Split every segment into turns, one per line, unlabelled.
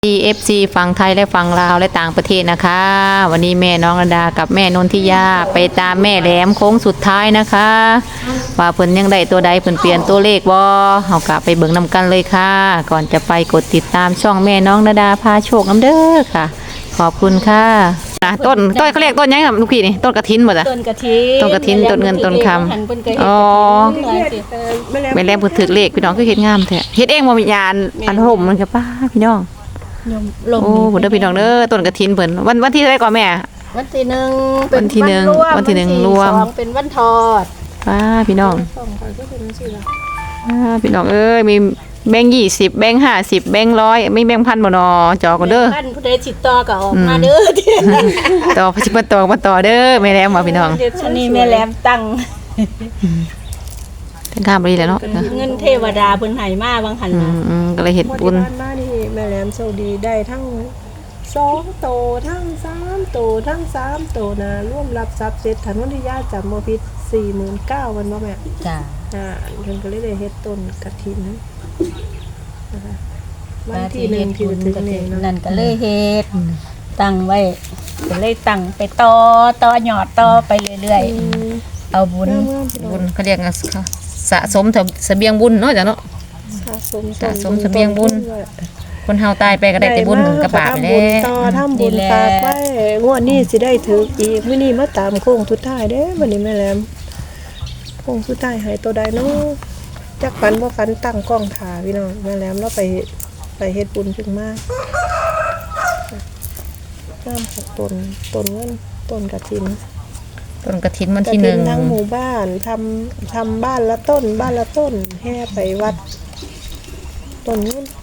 EFC ฝั่งไทยและฝั่งลาวและต่างประเทศนะคะวันนี้แม่น้องระดากับแม่นนทิยาไปตามแม่แหลมโค้งสุดท้ายนะคะว่าเพิ่นยังได้ตัวใดเพิ่นเปลี่ยนตัวเลขบ่เฮากะไปเบิ่งนำกันเลยค่ะ ก่อนจะไปกดติดตามช่องแม่น้องระดาพาโชคน้ำเด้อค่ะ ขอบคุณค่ะต้นเขาเรียกต้นยังครับลูกพี่นี่ต้นกระถินบ่จ้ะ
ต้นกระถิน
ต้นกระถินต้นเงินต้นคำอ๋อแม่แหลมเพิ่นถือเลขพี่น้องคือเฮ็ดงามแท้เฮ็ดเองบ่มีญาณอันห่มมันก็ป้าพี่น้องโอ้บุญเด้อพี่น้องเด้อต้นกฐินเพิ่นวันที่เท่าไหร่ก่อนแม่
วันที่หนึ่ง
วันที่หนึ่งวันที่หนึ่งรวม
สองเป็นวันทอด
พี่น้องพี่น้องเอ้ยมีแบงค์20แบงค์50แบงค์100ไม่แบงค์พันบ่นอจอกันเด้อ
ท่านผู้ใดติดต่อก็ออกมาเด้อ
ต่อสิมาต่อเด้อแม่แหลมว่าพี่น้อง
อันนี้แม่แหลมตั้ง
ทั้งข้ามไปแล้วเนาะ
เงินเทวดาเพิ่นให้มาบางหันน่ะ
ก็เลยเฮ็ดบุญ
มานี่แม่แหลมโชคดีได้ทั้ง2โตทั้ง3โตทั้ง3โตนะร่วมรับทรัพย์เสร็จถนนที่ญาติจำบ่ผิด 49,000วันบ่แม่
จ้ะ
เพิ่นก็เลยได้เฮ็ดต้นกฐินนะคะวันที่1ที่ถึงนี่เนาะ
นั่นก็เลยเฮ็ดตั้งไว้ก็เลยตั้งไปต่อยอดต่อไปเรื่อยๆเอาบุญ
เขาเรียกสะสมเสบียงบุญเนาะจ้ะเนาะสะสมเสบียงบุญคนเฮาตายไปก็ได้แต่บุญกระบาไปแล้ว
ต่อทำบุญฝากไว้งวดนี้สิได้ถึกอีกมื้อนี้มาตามโค้งสุดท้ายเด้วันนี้แม่แหลมโค้งสุดท้ายให้ตัวใดเนาะจักฝันบ่ฝันตั้งกล้องถ่าพี่น้องแม่แหลมเราไปเฮ็ดบุญขึ้นมาน้ำของต้นเงินต้นกฐิน
วันที่1
ทั้งหมู่บ้านทำบ้านละต้นแห่ไปวัดต้นนู้น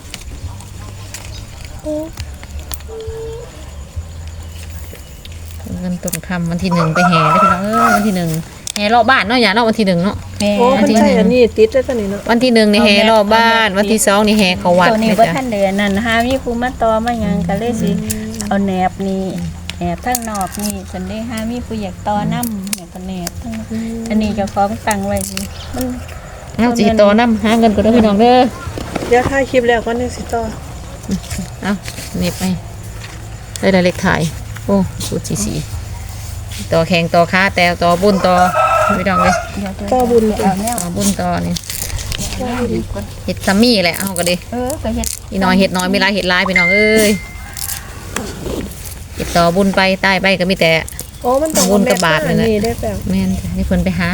เงินต้นคำวันที่1ไปแห่ได้พี่น้องวันที่1แห่รอบบ้านเนาะอย่าเนาะวันที่1เนาะ
วันที่1อันนี้ติดได้ตอนนี้เนาะ
วันที่1นี่แห่รอบบ้านวันที่2นี่แห่เข้าวัด
ตัวนี้บ่ทันเดือนนั่นหามีผู้มาต่อมาหยังก็เลยสิเอาแหนบนี่แอบทั้งนอกนี่เพิ่นได้หามีผู้อยากต่อนำเนี่ยก็แหนบทั้งอันนี้เจ้าของตั้งไว้สิมัน
เอาสิต่อนำหาเงินก็ได้พี่น้องเด้อ
เดี๋ยวถ่ายคลิปแล้วก่อนจังสิต่อ
เอาเน็บไปได้เลขถ่ายโอ้สูตรสีต่อแข่งต่อค้าแต่ต่อบุญต่อพี่น้องเลย
ต่อบุญ
ต่อบุญต่อนี่เห็ดซัมมี่แหละเอาก็ดี
ก็เฮ็ด
อีน้อยเห็ดน้อยไม่ร้ายเห็ดร้ายพี่น้องเอ้ยเห็ดต่อบุญไปใต้ไปก็มีแต่
มันต้อง
บุญกระบาดเลยนะ
แม่
นนี่เพิ่นไปหา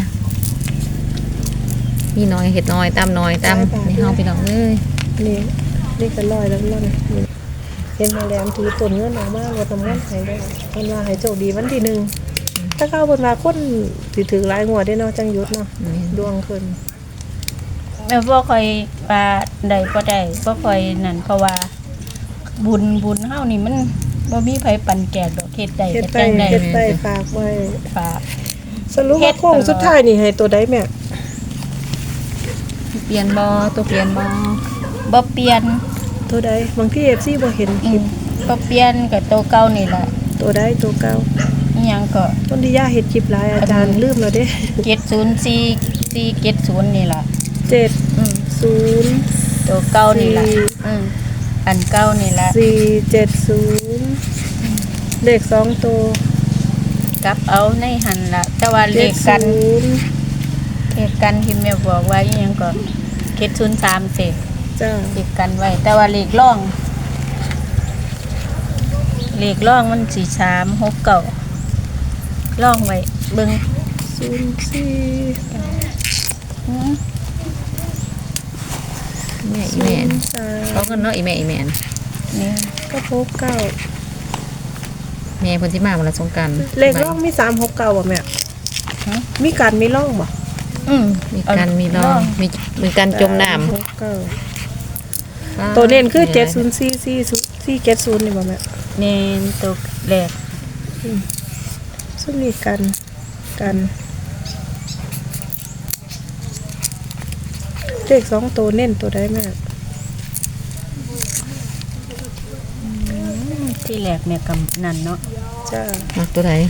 พี่น้อยเห็ดน้อยตามน้อยตามนี่เฮาพี่น้องเอ้ย
นี่ก็ลอยแล้วเห็นแม่แหลมถือต้นเงินออกมาว่าทำเงินให้ได้เพิ่นว่าให้โชคดีวันที่1ถ้าเข้าเพิ่นว่าคนสิถือหลายงวดได้เนาะจังหยุดเนาะดวงขึ้น
แม่บ่ค่อยว่าได้บ่ได้บ่ค่อยนั่นเพราะว่าบุญเฮานี่มันบ่มีไผปั่นแจกดอกเฮ็ดได้
ก็จังได้ฝากไว้
ฝาก
สรุปว่าโค้งสุดท้ายนี่ให้ตัวใดแม่
เปลี่ยนบ่ตัวเปลี่ยน
บ่เปลี่ยน
ตัวใดบางที่ FC บ่เห็นคลิป
บ่เปลี่ยนก็ตัวเก่านี่แหละ
ตัวใดตัวเก่า
อีหยังก็
ต้นที่ย่าเฮ็ดคลิปหลายอาจารย์ลืมแล้วเด้
70470นี่ล่ะ
70
ตัวเก่านี่ล่ะอันเก่านี่ล่ะ
470เลข2ตัว
กลับเอาในหันล่ะแต่ว่าเลขกันที่แม่บอกว่าอีหยังก็703สิ
จ้า
เลขกันไว้แต่ว่าเลขร่องมันสิ369ร่องไว้เบิ่ง
04
แม่เขาเงินเนาะอีแม่
นี่
ก็69
แม่เพิ่นสิมาวันละสงกรานต์
เลขร่องมี369บ่แม่มีกันมีร่องบ่
มีกันมีร่องมีกันจมน้ำ
ตัวเน้นคือ70440นี่บ่แม่
เน้นตัวแรก
ซึ่งมีกันเลข2ตัวเน้นตัวใดแม่
ที่แรกแม่กำนั่นเนาะ
จ้า
ตัวใด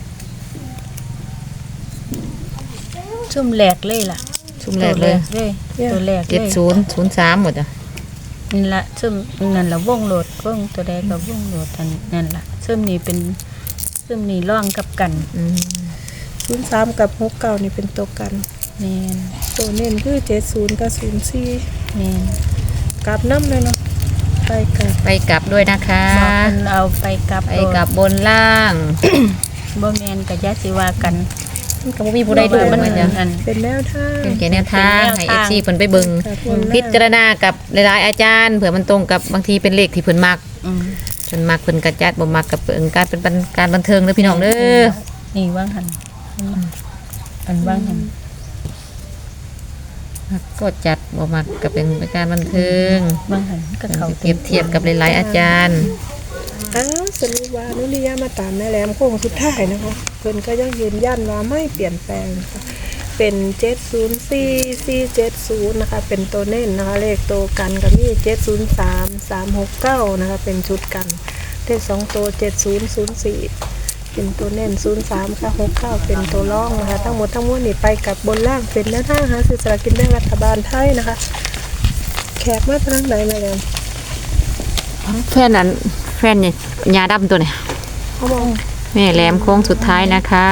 ชุ่มแหลกเลยล่ะ
ชุ่มแหลกเลย
เนี่ย
ตัวแรกเลย
7003หมดอ่ะ
นี่ละซึ่งนั่นละวงโหลดวงตัวใดกับวงโหลดอันนั่นละซึ่งนี่เป็นซึ่งนี่ร่องกับกัน
03กับ69นี่เป็นตัวกัน
แม่น
ตัวเน้นคือ70กับ04
แม่น
กลับน้ำเลยเนาะไปกลับ
ไปกลับด้วยนะคะ
บอกเพิ่นเอาไปกลับ
ไปกลับบนล่าง
บ่แม่นก็อย่าสิว่ากัน
มันก็บ่มีผู้ใดดูมันจ้ะ
อัน
เป็นแนวทาง
เป็นแค่แนวทางให้
เป็นแนวทาง
FC เพิ่นไปเบิ่ง
กับคน
พิจารณากับหลายๆอาจารย์เผื่อมันตรงกับบางทีเป็นเลขที่เพิ่นมัก
อืม
เพิ่นมักเพิ่นก็จัดบ่มักก็เป็นการเป็นการบันเทิงเด้อพี่น้องเด้อ
นี่ว่างหันอันว่างหัน
มักก็จัดบ่มักก็เป็นการบันเทิง
ว่างหันก็เขา
เปรียบเทียบกับหลายๆอาจารย์
อ้าวสรุปว่านุริยามาตามแม่แหลมโค้งสุดท้ายนะคะเพิ่นก็ยังยืนยันว่าไม่เปลี่ยนแปลงนะคะเป็น704470นะคะเป็นตัวเน้นนะคะเลขตัวกันก็มี703369นะคะเป็นชุดกันเลข2ตัว7004เป็นตัวเน้น03ค่ะ69เป็นตัวร่องนะคะทั้งหมดทั้งมวลนี่ไปกับบนล่างเป็นแนวทางหาซื้อสลากกินแบ่งรัฐบาลไทยนะคะแขกมาทางไหนมาแล้ว
แฟนนั้นแฟนเนี่ยยาดำตัวเนี่ย
เขาบอก
แม่แหลมโค้งสุดท้ายนะคะ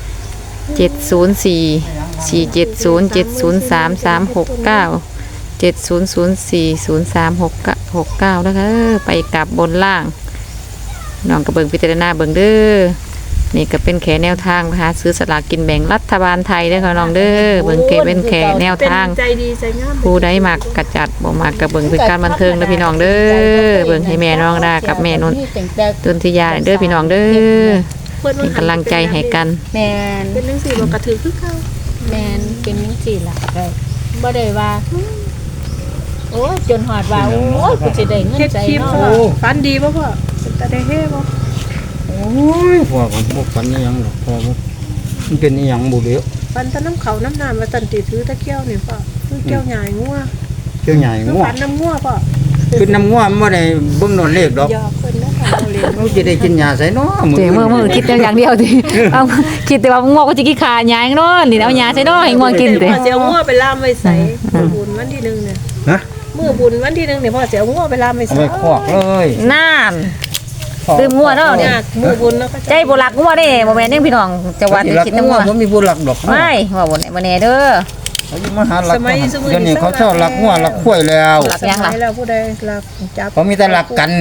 70470733697004369แล้วก็ไปกลับบนล่างน้องกระเบิงพิจารณาเบิงเด้อนี่ก็เป็นแขแนวทางนะคะซื้อสลากกินแบ่งรัฐบาลไทยเด้อค่ะน้องเด้อเบิงเกเป็นแขแนวทาง
ใจดีใจงาม
ผู้ใดมักกระจัดบ่มักกระเบิงเป็นการบันเทิงเด้อพี่น้องเด้อเบิงให้แม่น้องดากับแม่นนตุนทิยาเด้อพี่น้องเด้อเป็นกำลังใจให้กัน
แม่น
เป็นหนังสือบอกกระถือคือเขา
แม่นเป็นจังซี่ล่ะได้บ่ได้ว่าโอ้ยจนหอดว่าโอ้ยกูสิได้เงิน
เฮ็ด
ใจ
คลิป
เนาะ
พ่อฟันดีป่ะพ่อเป็นตาได้เฮ่ป่ะ
โอ้ยพ่อผมบ่ฝันอิหยังหรอกพ่อบ่มันเป็นอิหยังบ่เด้อ
ฟันตาน้ำเขาน้ำน้ำมาตันตีถือตะเกียวนี่พ่อคือเกียวใหญ่งัว
เจ้าใหญ่
คือ
งัว
ฟันน้ำงัวพ่อ
คือน้ำงัวมันบ่ได้เบิ่งโดนเลขดอก
หยอกคนนะคะเราเรียน
มันสิได้กินยาใส่เนาะ
เจ๋งมือคิดแต่อย่างเดียวดิเอาคิดแต่ว่าง่วงก็จะกินขาหยางเนาะนี่เอาหยาใส่เนาะให้ง่วงกินติ
พ่อเสียวงัวไปล่ามไว้ใส่มือบุญวันที่หนึ่งเนี่ย
ฮะ
มือบุญวันที่หนึ่งเนี่ยพ่อเสียวงัวไปล่ามไว้
เอา
ใส่
ไปคอกเลย
น่านลืมง่วงเนาะ
เนี่
เนี่ย
ยมือบุญเนาะก็
ใจบ่รักง่วงเด้บ่แม่นยังพี่น้องจะว่าจะคิดแต่ง่วง
ผมมีผู้หลักดอก
ไม่ว่าบ่แน่เด้อ
เขาอยู่มาหาหลักเดี๋ยวนี้เขาชอบหลักงัวหลักข้วยแล้ว
หลักยังล่ะ
สมัแล้วผู้ใดหลักจับ
เขามีแต่หลักกัน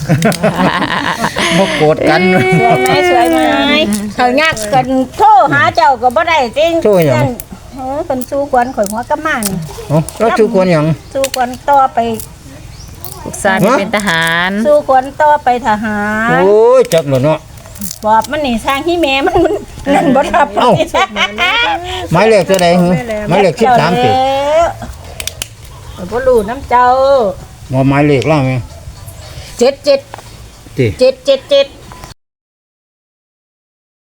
บ่โกรธกัน
สวยไหมเขายากกันโทรหาเจ้าก็บ่ได้จริง
โทรหยัง
เออเพิ่นสู้กวนข่อยหัวกะมานี่
เอ้าแล้วชื่อคนหยัง
สู้กวนต่อไป
ลูกชายเป็นทหาร
สู้กวนต่อไปทหาร
โอ้ยจักแล้วเนาะ
บอกมันนี่สร้างที่แม่มันนั่นบ่รับ
เอ้า หมายเลขเท่าใดหึหมายเลข13ติ
แล้วบ่รู้น้ำเจ้า
บ่หมายเลขล่ะแม่
77
ติ
777